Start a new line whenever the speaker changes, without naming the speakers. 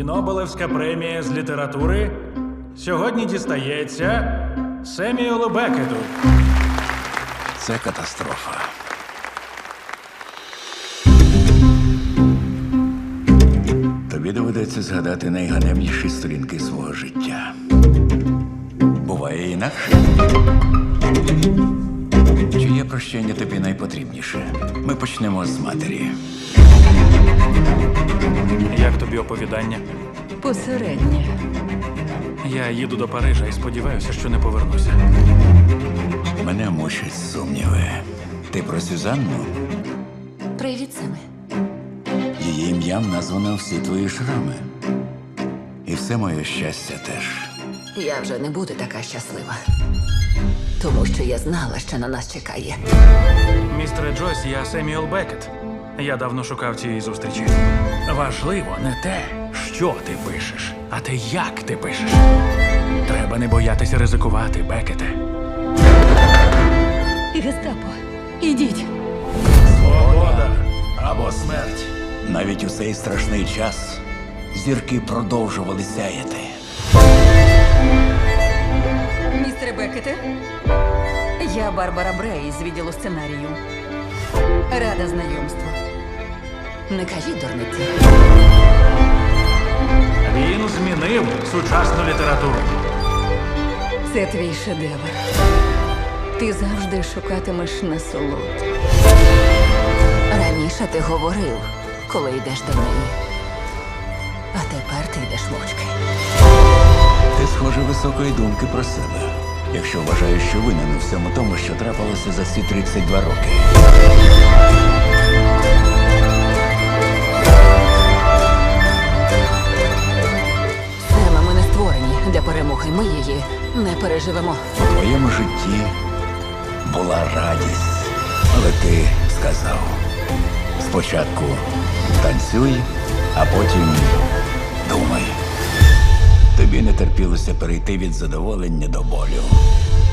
І Нобелевська премія з літератури сьогодні дістається Семюелу Беккету.
Це катастрофа. Тобі доведеться згадати найганебніші сторінки свого життя. Буває інакше. Чиє прощення тобі найпотрібніше? Ми почнемо з матері.
Як тобі оповідання?
Посереднє.
Я їду до Парижа і сподіваюся, що не повернуся.
Мене мучать сумніви. Ти про Сюзанну?
Привіт, Семе.
Її ім'ям названо всі твої шрами. І все моє щастя теж.
Я вже не буду така щаслива. Тому що я знала, що на нас чекає.
Містере Джойс, я Семюел Беккет. Я давно шукав цієї зустрічі. Важливо не те, що ти пишеш, а те, як ти пишеш. Треба не боятися ризикувати, Беккете.
Гестапо, ідіть.
Свобода або смерть.
Навіть у цей страшний час зірки продовжували сяяти.
Містере Беккете, я Барбара Брей з відділу сценарію. Рада знайомству. Не кажіть дурниці.
Він змінив сучасну літературу.
Це твій шедевр. Ти завжди шукатимеш насолод. Раніше ти говорив, коли йдеш до неї. А тепер ти йдеш мовчки.
Ти, схоже, високої думки про себе, якщо вважаєш, що винен у всьому тому, що трапилося за ці 32 роки.
Сема, ми не створені для перемоги. Ми її не переживемо.
У твоєму житті була радість, але ти сказав: спочатку танцюй, а потім думай. Тобі не терпілося перейти від задоволення до болю.